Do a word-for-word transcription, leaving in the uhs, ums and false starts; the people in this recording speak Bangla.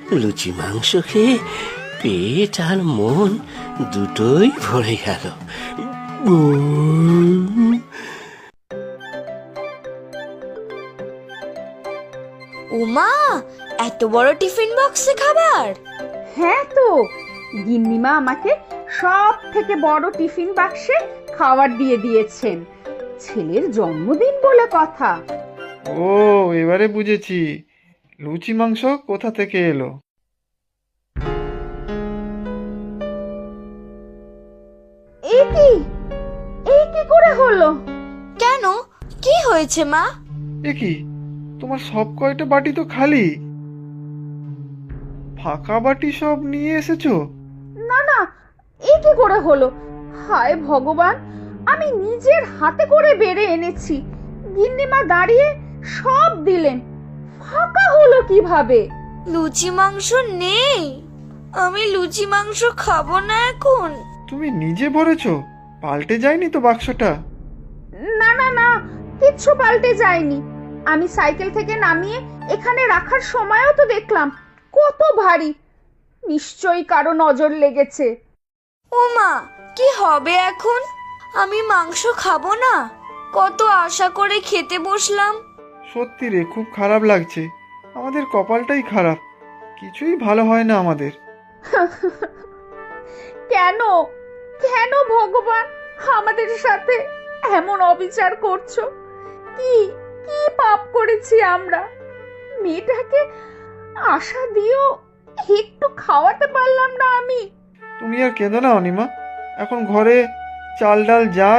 লুচি মাংস খেয়ে পেট আর মন দুটোই ভরে গেল। উম, ওমা, এত বড় টিফিন বক্সে খাবার! হ্যাঁ তো, গিন্নিমা আমাকে সব থেকে বড় টিফিন বাক্সে খাবার দিয়ে দিয়েছেন। ছেলের জন্মদিন বলে কথা। ও, এবারে বুঝেছি লুচি মাংস কোথা থেকে এলো। এই কি এই কি করে হলো? কেন, কি হয়েছে মা? এ কি, তোমার সব কয়টা বাটি তো খালি, ফাঁকা বাটি সব নিয়ে এসেছো? না না, এই কি করে হলো? হায় ভগবান, আমি নিজের হাতে করে বেড়ে এনেছি, গিন্নিমা দাঁড়িয়ে সব দিলেন, ফাঁকা হলো কিভাবে? লুচি মাংস নেই, আমি লুচি মাংস খাবো না এখন। তুমি নিজে ভরেছো? পাল্টে যায়নি তো বাক্সটা? না না না, কিচ্ছু পাল্টে যায়নি। আমি সাইকেল থেকে নামিয়ে এখানে রাখার সময়ও তো দেখলাম কত ভারী। নিশ্চয়ই কারো নজর লেগেছে। ওমা, কি হবে এখন? আমি মাংস খাবো না, কত আশা করে খেতে বসলাম। সত্যি রে, খুব খারাপ লাগছে। আমাদের কপালটাই খারাপ, কিছুই ভালো হয় না আমাদের। কেন কেন ভগবান আমাদের সাথে এমন অবিচার করছো? কি কি পাপ করেছি আমরা? মেয়েটাকে আশা দিয়েও একটু খাওয়াতে পারলাম না আমি। তুমি আর কেঁদো না অনিমা, এখন ঘরে চাল ডাল যা